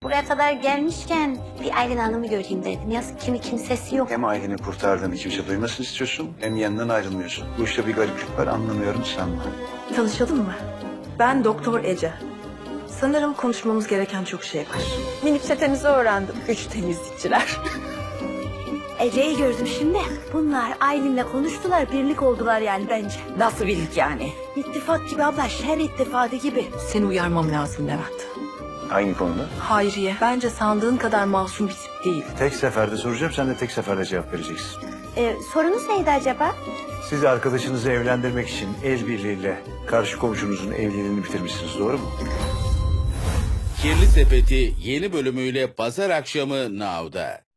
buraya kadar gelmişken bir Aylin Hanım'ı göreyim dedim. Yazık kimi kimsesi yok. Hem Aylin'i kurtardığını kimse duymasını istiyorsun hem yanından ayrılmıyorsun. Bu işte bir gariplik var, anlamıyorum sanma. Tanışalım mı? Ben Doktor Ece. Sanırım konuşmamız gereken çok şey var. Minik çetenizi öğrendim. 3 temizlikçiler. Ece'yi gördüm şimdi. Bunlar Aylin'le konuştular, birlik oldular yani bence. Nasıl birlik yani? İttifak gibi abla, şer ittifakı gibi. Seni uyarmam lazım Levent. Hangi konuda? Hayriye, bence sandığın kadar masum bir tip değil. Tek seferde soracağım, sen de tek seferde cevap vereceksin. Sorunuz neydi acaba? Siz arkadaşınızı evlendirmek için el birliğiyle karşı komşunuzun evliliğini bitirmişsiniz, doğru mu? Kirli Sepeti yeni bölümüyle pazar akşamı Now'da.